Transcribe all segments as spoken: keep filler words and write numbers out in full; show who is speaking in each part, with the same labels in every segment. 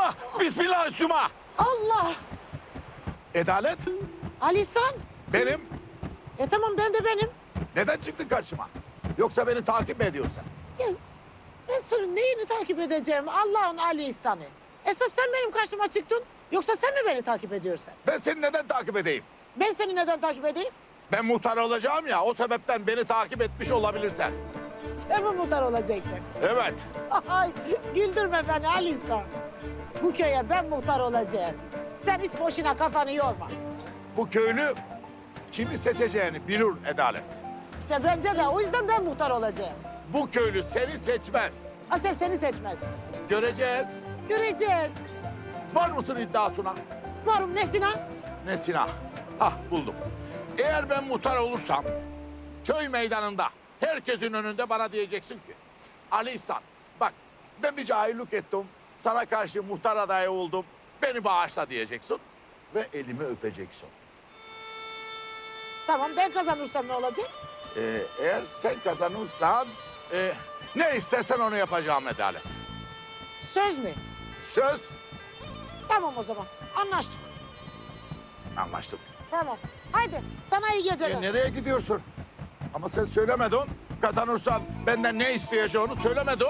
Speaker 1: Allah! Bismillah üstüme!
Speaker 2: Allah!
Speaker 1: Adalet,
Speaker 2: Alisan.
Speaker 1: benim.
Speaker 2: E tamam ben de benim.
Speaker 1: Neden çıktın karşıma? Yoksa beni takip mi ediyorsun?
Speaker 2: Ya, ben senin neyini takip edeceğim Allah'ın Ali İhsan'ı? Esas sen benim karşıma çıktın. Yoksa sen mi beni takip ediyorsun?
Speaker 1: Ben seni neden takip edeyim?
Speaker 2: Ben seni neden takip edeyim?
Speaker 1: Ben muhtar olacağım ya, o sebepten beni takip etmiş olabilirsen.
Speaker 2: Sen mi muhtar olacaksın?
Speaker 1: Evet.
Speaker 2: Ay, güldürme beni Ali İhsan. Bu köye ben muhtar olacağım. Sen hiç boşuna kafanı yorma.
Speaker 1: Bu köylü kimi seçeceğini bilir Adalet.
Speaker 2: İşte bence de o yüzden ben muhtar olacağım.
Speaker 1: Bu köylü seni seçmez.
Speaker 2: Asel seni seçmez.
Speaker 1: Göreceğiz.
Speaker 2: Göreceğiz.
Speaker 1: Var mısın iddiasına?
Speaker 2: Varım nesine?
Speaker 1: Nesina. Hah buldum. Eğer ben muhtar olursam köy meydanında herkesin önünde bana diyeceksin ki Ali İhsan bak ben bir cahillik ettim. Sana karşı muhtar adayı oldum. Beni bağışla diyeceksin ve elimi öpeceksin.
Speaker 2: Tamam ben kazanırsam ne olacak?
Speaker 1: Ee, eğer sen kazanırsan e, ne istersen onu yapacağım Adalet.
Speaker 2: Söz mü?
Speaker 1: Söz.
Speaker 2: Tamam o zaman anlaştık.
Speaker 1: Anlaştık.
Speaker 2: Tamam. Haydi sana iyi geceler.
Speaker 1: E, nereye gidiyorsun? Ama sen söylemedin. Kazanırsan benden ne isteyeceğini söylemedin.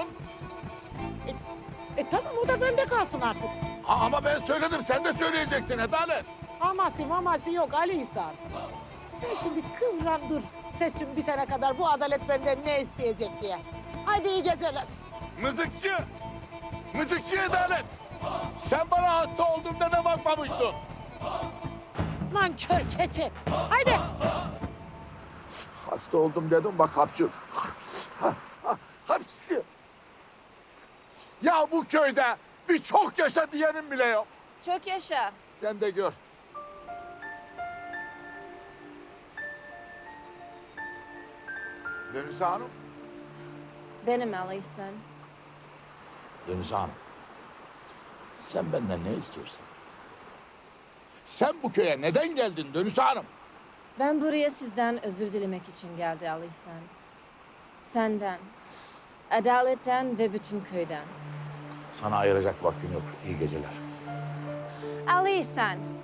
Speaker 2: E tamam o da bende kalsın artık.
Speaker 1: Ha, ama ben söyledim. Sen de söyleyeceksin Adalet.
Speaker 2: Aması maması yok Ali İhsan. Sen şimdi kıvran dur. Seçim bitene kadar bu adalet benden ne isteyecek diye. Haydi iyi geceler.
Speaker 1: Mızıkçı. Mızıkçı Adalet. Sen bana hasta olduğumda da bakmamıştın.
Speaker 2: Nankör keçi. Haydi.
Speaker 1: Hasta oldum dedim bak hapçı. Hapçı. Ya bu köyde bir çok yaşa diyenim bile yok.
Speaker 3: Çok yaşa.
Speaker 1: Sen de gör. Dönüş Hanım.
Speaker 3: Benim Ali İhsan.
Speaker 1: Dönüş Hanım. Sen benden ne istiyorsan? Sen bu köye neden geldin Dönüş Hanım?
Speaker 3: Ben buraya sizden özür dilemek için geldi Ali İhsan. Senden, adaletten ve bütün köyden.
Speaker 1: Sana ayıracak vaktim yok. İyi geceler.
Speaker 3: Ali İhsan,